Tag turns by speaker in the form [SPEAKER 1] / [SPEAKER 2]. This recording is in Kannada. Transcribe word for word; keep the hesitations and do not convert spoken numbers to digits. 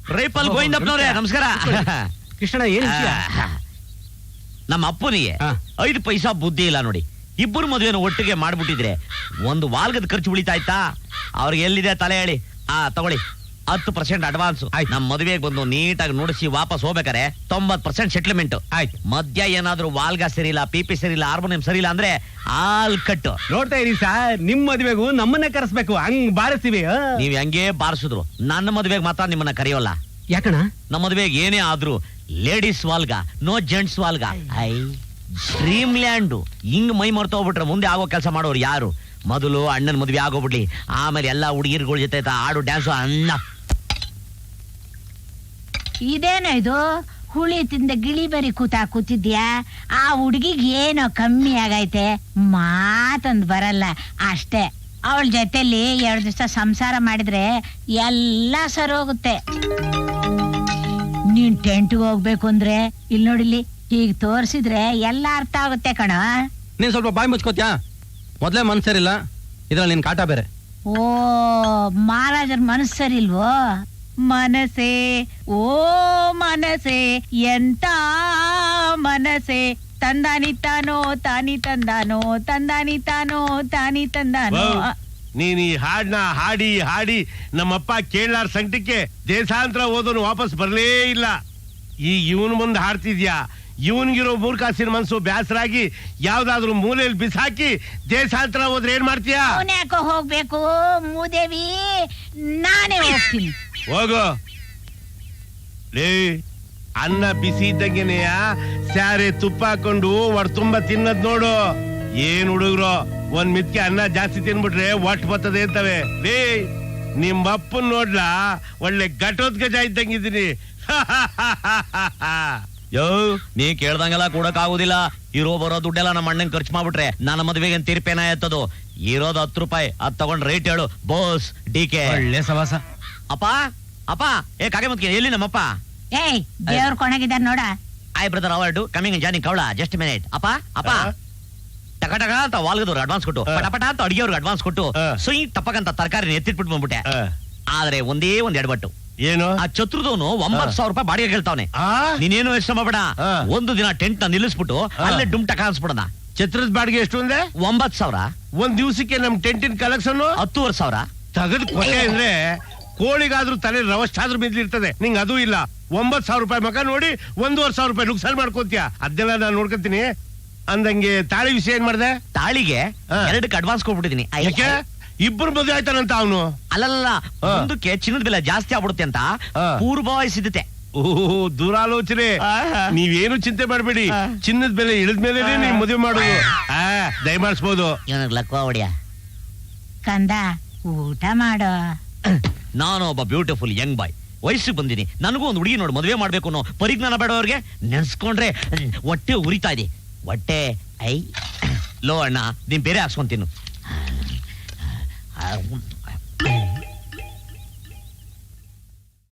[SPEAKER 1] ರೈಪಲ್ ಗೋವಿಂದಪ್ಪನವ್ರೆ ನಮಸ್ಕಾರ.
[SPEAKER 2] ಕೃಷ್ಣ ಏನ್
[SPEAKER 1] ನಮ್ಮ ಅಪ್ಪನಿಗೆ ಐದು ಪೈಸಾ ಬುದ್ಧಿ ಇಲ್ಲ ನೋಡಿ. ಇಬ್ಬರು ಮದುವೆನ ಒಟ್ಟಿಗೆ ಮಾಡ್ಬಿಟ್ಟಿದ್ರೆ ಒಂದು ವಾಲ್ಗದ ಖರ್ಚು ಉಳಿತಾ ಇತ್ತಾ? ಅವ್ರಿಗೆ ಎಲ್ಲಿದೆ ತಲೆ ಹೇಳಿ. ಆ ತಗೊಳ್ಳಿ ಹತ್ತು ಪರ್ಸೆಂಟ್ ಅಡ್ವಾನ್ಸ್. ನಮ್ ಮದುವೆಗೆ ಬಂದು ನೀಟಾಗಿ ನುಡಿಸಿ ವಾಪಸ್ ಹೋಗ್ಬೇಕಾರೆ ತೊಂಬತ್ ಪರ್ಸೆಂಟ್ ಸೆಟ್ಲ್ಮೆಂಟ್. ಆಯ್ತು. ಮಧ್ಯ ಏನಾದ್ರು ವಾಲ್ಗ ಸರಿಯಿಲ್ಲ, ಪಿಪಿ ಸರಿಯಿಲ್ಲ, ಹಾರ್ಮೋನಿಯಂ ಸರಿಯಿಲ್ಲ ಅಂದ್ರೆ ಆಲ್ ಕಟ್ಟು.
[SPEAKER 2] ನೋಡ್ತಾ ಇರಿ ಸರ್, ನಿಮ್ ಮದುವೆಗೂ ನಮ್ಮನ್ನ ಕರೆಸ್ಬೇಕು, ಹಂಗ್ ಬಾರಿಸ್ತೀವಿ.
[SPEAKER 1] ನೀವ್ ಹಂಗೆ ಬಾರಿಸಿದ್ರು ನನ್ನ ಮದುವೆಗೆ ಮಾತ್ರ ನಿಮ್ಮನ್ನ ಕರೆಯೋಲ್ಲ.
[SPEAKER 2] ಯಾಕಣ?
[SPEAKER 1] ನಮ್ಮ ಮದುವೆಗೆ ಏನೇ ಆದ್ರೂ ಲೇಡೀಸ್ ವಾಲ್ಗ, ನೋ ಜೆಂಟ್ಸ್ ವಾಲ್ಗ. I dream land. ಹಿಂಗ್ ಮೈ ಮರ್ತ ಹೋಗ್ಬಿಟ್ರೆ ಮುಂದೆ ಆಗೋ ಕೆಲಸ ಮಾಡೋರು ಯಾರು? ಮೊದಲು ಅಣ್ಣನ ಮದುವೆ ಆಗೋಗ್ಬಿಡ್ಲಿ, ಆಮೇಲೆ ಎಲ್ಲಾ ಹುಡುಗಿರ್ಗಳ ಜೊತೆ ಆಡು ಡ್ಯಾನ್ಸು ಅನ್ನ.
[SPEAKER 3] ಇದೇನೋ ಇದು ಹುಳಿ ತಿಂದ ಗಿಳಿ ಬರಿ ಕೂತಾ ಕೂತಿದ್ಯಾ? ಆ ಹುಡುಗಿಗೆ ಏನೋ ಕಮ್ಮಿ ಆಗೈತೆ, ಮಾತೊಂದು ಬರಲ್ಲ ಅಷ್ಟೇ. ಅವಳ ಜೊತೆಲಿ ಎರಡು ದಿವಸ ಸಂಸಾರ ಮಾಡಿದ್ರೆ ಎಲ್ಲ ಸರೋಗುತ್ತೆ. ನೀನ್ ಟೆಂಟ್ಗೆ ಹೋಗ್ಬೇಕು ಅಂದ್ರೆ ಇಲ್ಲಿ ನೋಡಿಲಿ, ಹೀಗ್ ತೋರ್ಸಿದ್ರೆ ಎಲ್ಲ ಅರ್ಥ ಆಗುತ್ತೆ ಕಣ.
[SPEAKER 4] ನೀನ್ ಸ್ವಲ್ಪ ಬಾಯಿ ಮುಚ್ಕೋತ್ಯಾ? ಮೊದ್ಲೇ ಮನ್ಸರಿಲ್ಲ, ಇದ್ರಲ್ಲಿ ನಿನ್ ಕಾಟ ಬೇರೆ.
[SPEAKER 3] ಓ ಮಹಾರಾಜರ ಮನಸ್ಸರಿಲ್ವೋ? ಮನಸೆ ಓ ಮನಸೆ ಎಂತ ಮನಸೆ, ತಂದಾನಿ ತಾನೋ ತಾನಿ ತಂದಾನೋ, ತಂದಾನಿ ತಾನೋ ತಾನಿ ತಂದಾನೋ.
[SPEAKER 5] ನೀನ್ ಈ ಹಾಡ್ನ ಹಾಡಿ ಹಾಡಿ ನಮ್ಮಪ್ಪ ಕೇಳಾರ ಸಂಕಟಕ್ಕೆ ದೇಶಾಂತರ ಓದೋನು ವಾಪಸ್ ಬರ್ಲೇ ಇಲ್ಲ. ಈ ಇವನ್ ಮುಂದೆ ಹಾಡ್ತಿದ್ಯಾ? ಇವನ್ಗಿರೋ ಮೂರ್ಖಾಸಿನ ಮನ್ಸು ಬ್ಯಾಸರಾಗಿ ಯಾವ್ದಾದ್ರು ಮೂಲೆಯಲ್ಲಿ ಬಿಸಾಕಿ ದೇಶಾಂತರ ಹೋದ್ರೆ ಏನ್ ಮಾಡ್ತೀಯಾ?
[SPEAKER 3] ಯಾಕೋ ಹೋಗ್ಬೇಕು ಮೂದೇವಿ, ನಾನೇ ಹೋಗ್ತೀನಿ.
[SPEAKER 5] ಹೋಗು ಲೇ, ಅನ್ನ ಬಿಸಿ ಇದ್ದಂಗೆನೆಯ ಸ್ಯಾರೆ ತುಪ್ಪ ಹಾಕೊಂಡು ಒಡ್ ತುಂಬಾ ತಿನ್ನದ್ ನೋಡು. ಏನ್ ಹುಡುಗ್ರು ಒಂದ್ ಮಿತ್ಕೆ ಅನ್ನ ಜಾಸ್ತಿ ತಿನ್ಬಿಟ್ರೆ ಒಟ್ಟು ಬರ್ತದೆ ಅಂತವೆ. ಲೇ ನಿಮ್ಮಪ್ಪನ್ ನೋಡ್ಲಾ, ಒಳ್ಳೆ ಘಟೋದ್ಗಜ ಇದ್ದಂಗಿದ್ದೀನಿ.
[SPEAKER 1] ಯೋ ನೀ ಕೇಳ್ದಂಗೆಲ್ಲ ಕೊಡಕ್ ಆಗುದಿಲ್ಲ. ಇರೋ ಬರೋ ದುಡ್ಡೆಲ್ಲ ನಮ್ಮ ಅಣ್ಣನ್ ಖರ್ಚು ಮಾಡ್ಬಿಟ್ರೆ ನನ್ನ ಮದುವೆಗೆ ತೀರ್ಪೇನ ಎತ್ತದು. ಇರೋದು ಹತ್ತು ರೂಪಾಯಿ, ಅದ್ ತಗೊಂಡ್ ರೇಟ್ ಹೇಳು ಬೋಸ್. ಡಿ ಕೆ
[SPEAKER 2] ಒಳ್ಳೆ ಸವಾಸ.
[SPEAKER 1] ಅಪ್ಪ ಅಪ್ಪ ಏ ಕಾಗೆ ಮತ್ಕೆ ಎಲ್ಲಿ ನಮ್ಮಪ್ಪ?
[SPEAKER 3] ಏಯ್ ದೇವ್ರ ಕೊಣಗಿದಾರ ನೋಡ.
[SPEAKER 1] ಐ ಬ್ರದರ್ ಅವಾರ್ಡ್ ಕಮಿಂಗ್ ಜಾನಿ ಕವಳ ಜಸ್ಟ್ ಮಿನಿಟ್. ಅಪ್ಪ ಅಪ್ಪ ಟಕ ಟಕ ಅಂತ ವಾಲ್ಗದವ್ರು ಅಡ್ವಾನ್ಸ್ ಕೊಟ್ಟು, ಪಟ ಪಟ ಅಂತ ಅಡಿಗೆಯವ್ರಿಗೆ ಅಡ್ವಾನ್ಸ್ ಕೊಟ್ಟು, ಸುಯಿ ಟಪಕಂತ ತರಕಾರಿ ಎತ್ತಿಟ್ಬಿಟ್ಟು ಬಂದ್ಬಿಟ್ಟೆ. ಆದ್ರೆ ಒಂದೇ ಒಂದ್ ಎಡಬಟ್ಟು.
[SPEAKER 5] ಏನು?
[SPEAKER 1] ಆ ಚತುರ್ದವನು ಒಂಬತ್ ಸಾವಿರ ರೂಪಾಯಿ ಬಾಡಿಗೆ ಕೇಳ್ತಾವನೆ. ನೀನೇನು ಎಷ್ಟು ಮಾಡಬೇಡ, ಒಂದು ದಿನ ಟೆಂಟ್ ನ ನಿಲ್ಲಿಸ್ಬಿಟ್ಟು ಅಲ್ಲೇ ಡುಮ್ ಟಕ ಅನ್ಸ್ಬಿಡೋಣ.
[SPEAKER 5] ಛತ್ರದ ಬಾಡಿಗೆ ಎಷ್ಟು ಅಂದ್ರೆ?
[SPEAKER 1] ಒಂಬತ್ ಸಾವಿರ.
[SPEAKER 5] ಒಂದ್ ದಿವ್ಸಕ್ಕೆ ನಮ್ ಟೆಂಟಿನ ಕಲೆಕ್ಷನ್
[SPEAKER 1] ಹತ್ತುವರೆ ಸಾವಿರ.
[SPEAKER 5] ತಗದ್ ಕೊಟ್ಟೆ ಅಂದ್ರೆ ಕೋಳಿಗಾದ್ರೂ ತಲೆ ರವಷ್ಟಾದ್ರೂ ಬಿದ್ದಿರ್ತದೆ, ನಿಂಗ್ ಅದು ಇಲ್ಲ. ಒಂಬತ್ ಸಾವಿರ ರೂಪಾಯಿ ಮಕ ನೋಡಿ ಒಂದೂವರೆ ಸಾವಿರ ರೂಪಾಯಿ ನುಕ್ಸಾನ್ ಮಾಡ್ಕೋತೀಯ. ಅದನ್ನೆಲ್ಲ ನಾನು ನೋಡ್ಕೊತೀನಿ. ಅಂದಂಗೆ ತಾಳಿ ವಿಷಯ ಏನ್ ಮಾಡ್ದೆ?
[SPEAKER 1] ತಾಳಿಗೆ ಎರಡಕ್ಕೆ ಅಡ್ವಾನ್ಸ್ ಕೊಟ್ಬಿಟ್ಟಿದೀನಿ.
[SPEAKER 5] ಇಬ್ಬರು ಮದುವೆ ಆಯ್ತಾನಂತ ಅವನು.
[SPEAKER 1] ಅಲ್ಲಲ್ಲ, ಮುಂದಕ್ಕೆ ಚಿನ್ನದ ಬೆಲೆ ಜಾಸ್ತಿ ಆಗ್ಬಿಡುತ್ತೆ ಅಂತ ಪೂರ್ವಭಾವಿ ಸಿದ್ಧತೆ.
[SPEAKER 5] ಓಹೋ ದೂರಾಲೋಚನೆ. ನೀವೇನು ಚಿಂತೆ ಮಾಡಬೇಡಿ, ಚಿನ್ನದ ಬೆಲೆ ಇಳಿದ್ಮೇಲೆ ನೀವು ಮದುವೆ ಮಾಡೋದು. ಆ ದಯಮಾಡಿಸ್ಬೋದು.
[SPEAKER 1] ಲಕ್ವ ಹೊಡಿಯ
[SPEAKER 3] ಕಂದ, ಊಟ ಮಾಡೋ.
[SPEAKER 1] ನಾನು ಒಬ್ಬ ಬ್ಯೂಟಿಫುಲ್ ಯಂಗ್ ಬಾಯ್, ವಯಸ್ಸಿಗೆ ಬಂದಿನಿ. ನನಗೂ ಒಂದು ಹುಡುಗಿ ನೋಡಿ ಮದುವೆ ಮಾಡ್ಬೇಕು ಅನ್ನೋ ಪರಿಜ್ಞಾನ ಬೇಡ ಅವ್ರಿಗೆ. ನೆನ್ಸ್ಕೊಂಡ್ರೆ ಹೊಟ್ಟೆ ಉರಿತಾ ಇದೆ. ಹೊಟ್ಟೆ ಐ ಲೋ ಅಣ್ಣ, ನೀನ್ ಬೇರೆ ಹಾಕ್ಸ್ಕೊಂತೀನಿ.